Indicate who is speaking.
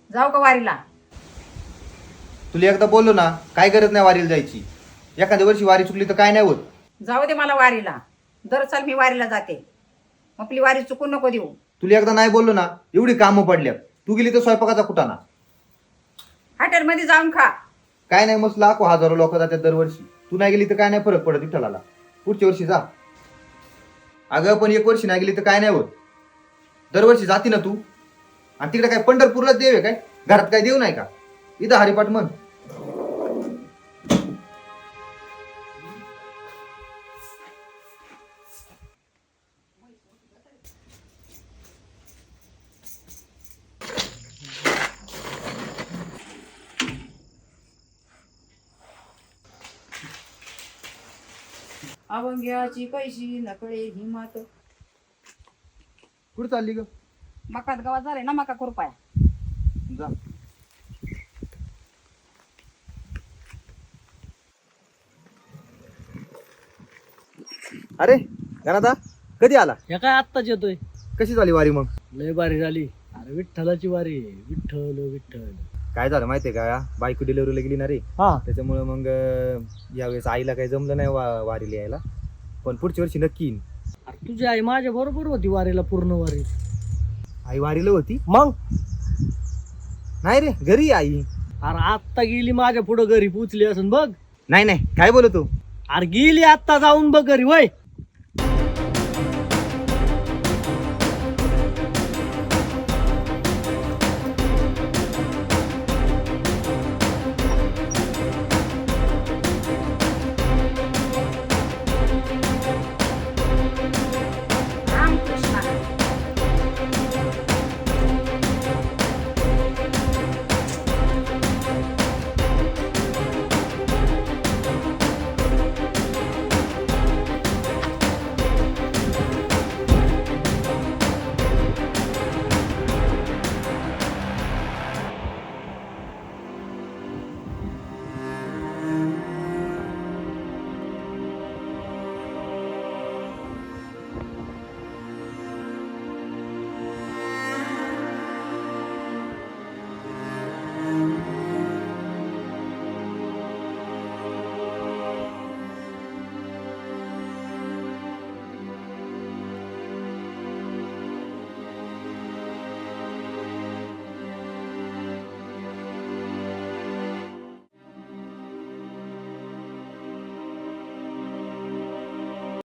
Speaker 1: जाऊ का वारीला?
Speaker 2: तुला एकदा बोललो ना, काय गरज नाही वारीला जायची. एखाद्या वर्षी वारी चुकली तर काय नाही होत.
Speaker 1: जाऊ दे मला वारीला. दर साल मी वारीला जाते. आपली वारी चुकून नको देऊ.
Speaker 2: तुला एकदा नाही बोललो ना, एवढी कामं पडल्यात. तू गेली तर स्वयंपाकाचा कुटाणा.
Speaker 1: हॉटेलमध्ये जाऊन खा.
Speaker 2: काय नाही, मस्त लाखो हजारो लोक जातात दरवर्षी. तू नाही गेली तर काय नाही फरक पडत विठ्ठलाला. पुढच्या वर्षी जा. अगं पण एक वर्षी नाही गेली तर काय नाही होत. दरवर्षी जाती ना तू. आणि तिकडे काय पंढरपूरला देव आहे काय? घरात काय देव नाही का? इथं हरिपाठ म्हण.
Speaker 1: अवंग्याची कैशी नकळे हिमात.
Speaker 2: कुठं चालली ग?
Speaker 1: मकात गावात झाले ना मका खुरपाय.
Speaker 2: जा. अरे गणाता कधी आला?
Speaker 3: या काय आत्ताच येतोय.
Speaker 2: कशी झाली वारी मग?
Speaker 3: लय बारी झाली. अरे विठ्ठलाची वारी आहे. विठ्ठल विठ्ठल.
Speaker 2: काय झालं माहितीये का, बायको डिलिव्हरीला गेली ना रे.
Speaker 3: हा
Speaker 2: त्याच्यामुळे मग यावेळेस आईला काही जमलं नाही वारीला यायला. पण पुढच्या वर्षी नक्की येईन.
Speaker 3: अरे तुझी आई माझ्या बरोबर होती वारीला, पूर्ण वारी.
Speaker 2: आई वारीला होती?
Speaker 3: मग
Speaker 2: नाही रे, घरी आहे आई.
Speaker 3: अरे आत्ता गेली माझ्या पुढं घरी पोचली असून बघ.
Speaker 2: नाही नाही, काय बोलतो?
Speaker 3: अरे गेली आत्ता जाऊन बघ घरी. वय